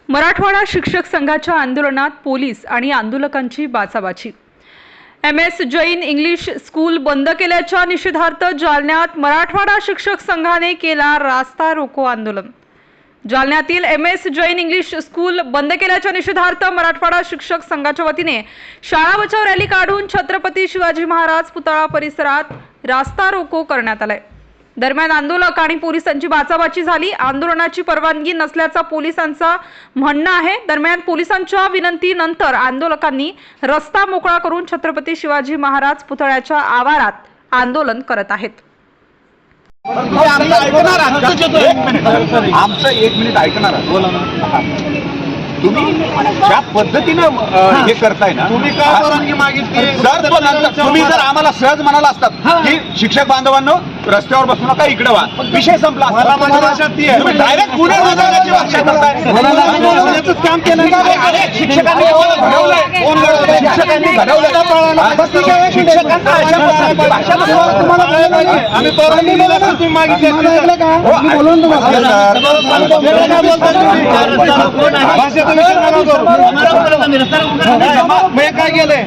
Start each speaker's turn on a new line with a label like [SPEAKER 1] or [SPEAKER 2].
[SPEAKER 1] मराठवाडा शिक्षक संघाच्या आंदोलनात पोलीस आणि आंदोलकांची बाचाबाची। MS जैन इंग्लिश स्कूल बंद केल्याच्या निषेधार्थ जालन्यात मराठवाडा शिक्षक संघाने केला रास्ता रोको आंदोलन। जालन्यातील MS जैन इंग्लिश स्कूल बंद केल्याच्या निषेधार्थ मराठवाडा शिक्षक संघाच्या वतीने शाळा बचाव रॅली काढून छत्रपती शिवाजी महाराज पुतळा परिसरात रास्ता रोको करण्यात आलाय। दरम्यान आंदोलक आणि पोलिसांची बाचाबाची झाली। आंदोलनाची परवानगी नसल्याचा पोलिसांचा म्हणणं आहे। दरम्यान पोलिसांच्या विनंतीनंतर आंदोलकांनी रस्ता मोकळा करून छत्रपती शिवाजी महाराज पुतळ्याच्या आवारात आंदोलन करत आहेत।
[SPEAKER 2] आमचं एक मिनिट ऐकणार बोला ना। तुम्ही ज्या पद्धतीनं हे करताय ना, तुम्ही काय परवानगी मागितली सर? तुम्ही जर आम्हाला सहज म्हणाला असतात की शिक्षक बांधवांनो रस्त्यावर बसू नका, इकडे व्हा, विषय संपला असता। तुम्ही डायरेक्ट गुन्हे नोंदवण्याची भाषा करताय। काम केलं शिक्षकांनी घडवलंय, शिक्षकांनी घडवलंय। शिक्षकांना अशा प्रकारची भाषा आम्ही परवानगी तुम्ही मागितली काय गेले